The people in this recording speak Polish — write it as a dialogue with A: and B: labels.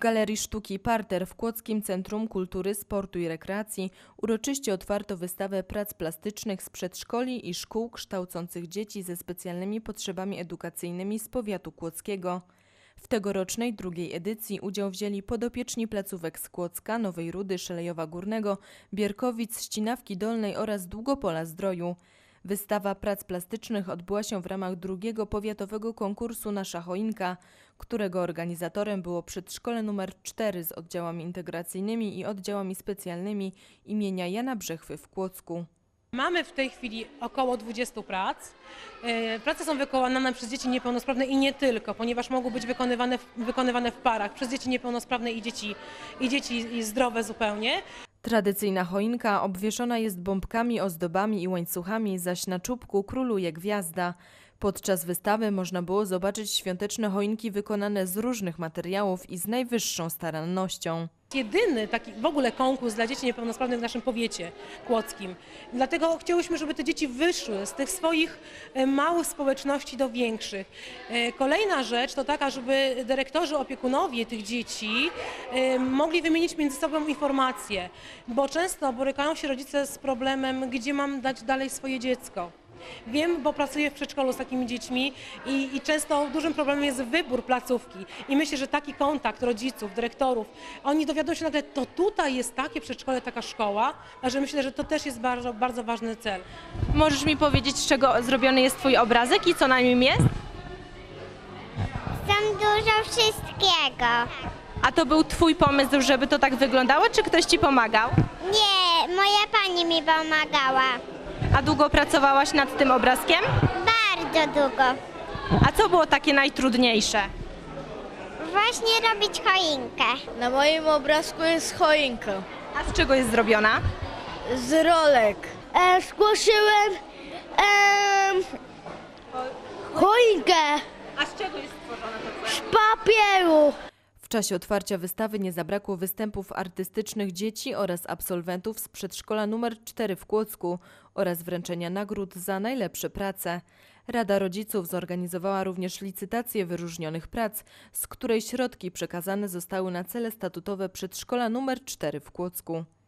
A: Galerii Sztuki Parter w Kłodzkim Centrum Kultury, Sportu i Rekreacji uroczyście otwarto wystawę prac plastycznych z przedszkoli i szkół kształcących dzieci ze specjalnymi potrzebami edukacyjnymi z powiatu kłodzkiego. W tegorocznej drugiej edycji udział wzięli podopieczni placówek z Kłodzka, Nowej Rudy, Szelejowa Górnego, Bierkowic, Ścinawki Dolnej oraz Długopola Zdroju. Wystawa prac plastycznych odbyła się w ramach drugiego powiatowego konkursu Nasza choinka, którego organizatorem było przedszkole nr 4 z oddziałami integracyjnymi i oddziałami specjalnymi imienia Jana Brzechwy w Kłodzku.
B: Mamy w tej chwili około 20 prac. Prace są wykonane przez dzieci niepełnosprawne i nie tylko, ponieważ mogą być wykonywane w parach przez dzieci niepełnosprawne i dzieci zdrowe zupełnie.
A: Tradycyjna choinka obwieszona jest bombkami, ozdobami i łańcuchami, zaś na czubku króluje gwiazda. Podczas wystawy można było zobaczyć świąteczne choinki wykonane z różnych materiałów i z najwyższą starannością.
B: Jedyny taki w ogóle konkurs dla dzieci niepełnosprawnych w naszym powiecie kłodzkim. Dlatego chciałyśmy, żeby te dzieci wyszły z tych swoich małych społeczności do większych. Kolejna rzecz to taka, żeby dyrektorzy, opiekunowie tych dzieci mogli wymienić między sobą informacje, bo często borykają się rodzice z problemem, gdzie mam dać dalej swoje dziecko. Wiem, bo pracuję w przedszkolu z takimi dziećmi i często dużym problemem jest wybór placówki. I myślę, że taki kontakt rodziców, dyrektorów, oni dowiadują się nagle, to tutaj jest takie przedszkole, taka szkoła, a że myślę, że to też jest bardzo, bardzo ważny cel.
C: Możesz mi powiedzieć, z czego zrobiony jest Twój obrazek i co na nim jest?
D: Tam dużo wszystkiego.
C: A to był Twój pomysł, żeby to tak wyglądało, czy ktoś Ci pomagał?
D: Nie, moja pani mi pomagała.
C: A długo pracowałaś nad tym obrazkiem?
D: Bardzo długo.
C: A co było takie najtrudniejsze?
D: Właśnie robić choinkę.
E: Na moim obrazku jest choinka
C: A z czego jest zrobiona?
E: z rolek. Zgłosiłem choinkę
C: A z czego jest stworzona to
E: z papieru.
A: W czasie otwarcia wystawy nie zabrakło występów artystycznych dzieci oraz absolwentów z przedszkola nr 4 w Kłodzku oraz wręczenia nagród za najlepsze prace. Rada Rodziców zorganizowała również licytację wyróżnionych prac, z której środki przekazane zostały na cele statutowe przedszkola nr 4 w Kłodzku.